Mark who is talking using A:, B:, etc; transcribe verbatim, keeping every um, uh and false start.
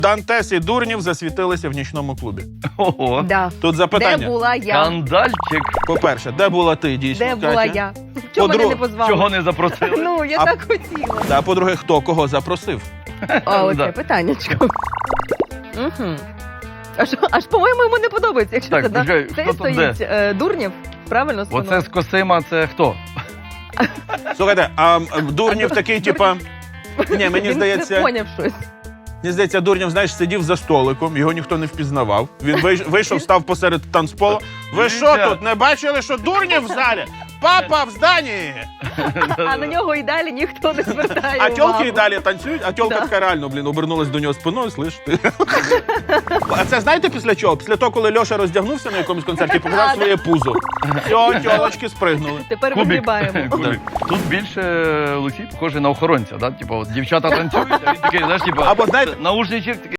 A: Дантес і Дурнів засвітилися в нічному клубі.
B: Ого.
C: Да.
A: Тут запитання.
C: Де була я?
B: Скандальчик.
A: По-перше, де була ти, дійсно,
C: Де
A: Катя?
C: була я? Чого мене
A: Подру-
C: не позвали?
B: Чого не запросили?
C: Ну, я
A: А-
C: так хотіла.
A: А по-друге, хто кого запросив?
C: А оце
B: Да.
C: питаннячко. Угу. Аж, аж, по-моєму, йому не подобається, якщо
B: Так,
C: це, да?
B: почекай,
C: Це
B: хто тут
C: стоїть е, Дурнів, правильно?
B: Оце
C: спиною?
B: з Косима, це хто?
A: Слухайте, а м, Дурнів такий, типа... Ні, мені
C: Він
A: здається,
C: не поняв щось.
A: мені здається, Дурнів, знаєш, сидів за столиком, його ніхто не впізнавав. Він вийш- вийшов, став посеред танцполу. Ви що
B: Дивіться.
A: тут, не бачили, що Дурнів в залі? Папа в зданні!
C: А на нього і далі ніхто не звертає
A: А
C: увагу.
A: тьолки і далі танцюють, а тьолка
C: Да.
A: така реально, блін, обернулась до нього спиною, слиш ти. А це знаєте після чого? Після того, коли Льоша роздягнувся на якомусь концерті, показав своє пузо. Все, тьолочки спригнули.
C: Тепер
B: Кубик.
C: вигрібаємо.
B: Кубик. Тут більше Олексій похожий на охоронця, да? Типу, от дівчата танцюють, а він такий, знаєш, типу,
A: Або, знаєте-
B: наушничок такий.